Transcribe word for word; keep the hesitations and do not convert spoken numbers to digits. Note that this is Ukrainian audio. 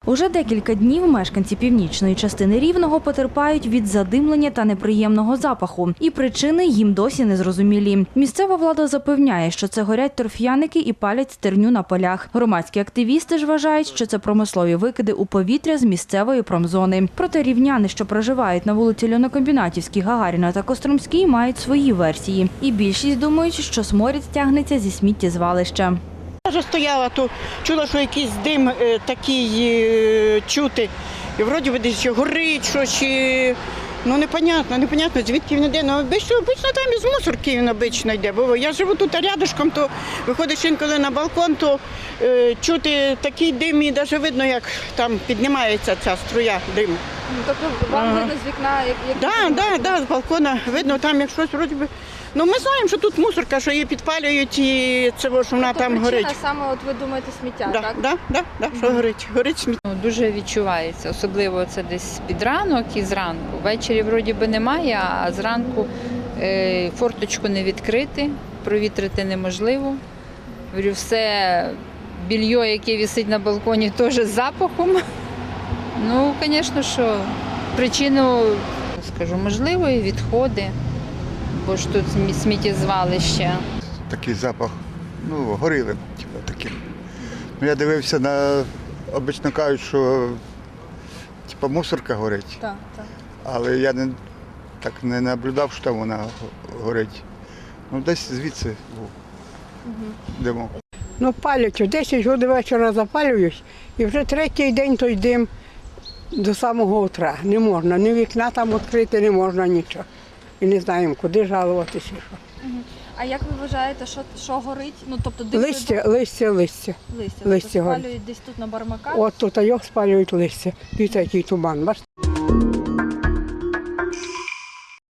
Уже декілька днів мешканці північної частини Рівного потерпають від задимлення та неприємного запаху. І причини їм досі не зрозумілі. Місцева влада запевняє, що це горять торф'яники і палять стерню на полях. Громадські активісти ж вважають, що це промислові викиди у повітря з місцевої промзони. Проте рівняни, що проживають на вулиці Льонокомбінатівській, Гагаріна та Костромській, мають свої версії. І більшість думають, що сморід стягнеться зі сміттєзвалища. Я вже стояла, то чула, що якийсь дим е, такий е, чути. І вроді би десь горить, щось, чи... ну непонятно, непонятно, звідки він йде. Ну, обично, обично там із мусорки він обично йде. Бо я живу тут рядышком, то виходиш інколи на балкон, то е, чути такий дим і навіть видно, як там піднімається ця струя диму. Тобто вам Ага. видно з вікна, як, як Так, так, так, з балкона видно, там як щось вроді би. Ну ми знаємо, що тут мусорка, що її підпалюють і це, що вона тобто там причина горить. саме, от ви думаєте, сміття, Да, так? да, да, да, що горить, горить сміття. Ну, дуже відчувається, особливо це десь під ранок і зранку. Ввечері вроді би немає, а зранку е, форточку не відкрити, провітрити неможливо. Говорю, все більйо, яке висить на балконі, теж з запахом. Ну, звісно, що причину, скажу, можливо, і відходи, бо ж тут сміттєзвалище. Такий запах, ну, горілим, типу, таким. Ну, я дивився на, обично кажуть, що типу, мусорка горить, Так, так. але я не, так не наблюдав, що там вона горить. Ну, десь звідси був димок. Ну, палять, о десять годин вечора запалюють, і вже третій день той дим до самого утра. Не можна, ні вікна там відкрити, не можна нічого. І не знаємо, куди жалуватися. Що. А як ви вважаєте, що, що горить? Ну, тобто дим Листя, листя, листя. листя, тобто листя горить. спалюють десь тут на Бармаках? От тут його спалюють листя. Дивіться, який туман, бачите?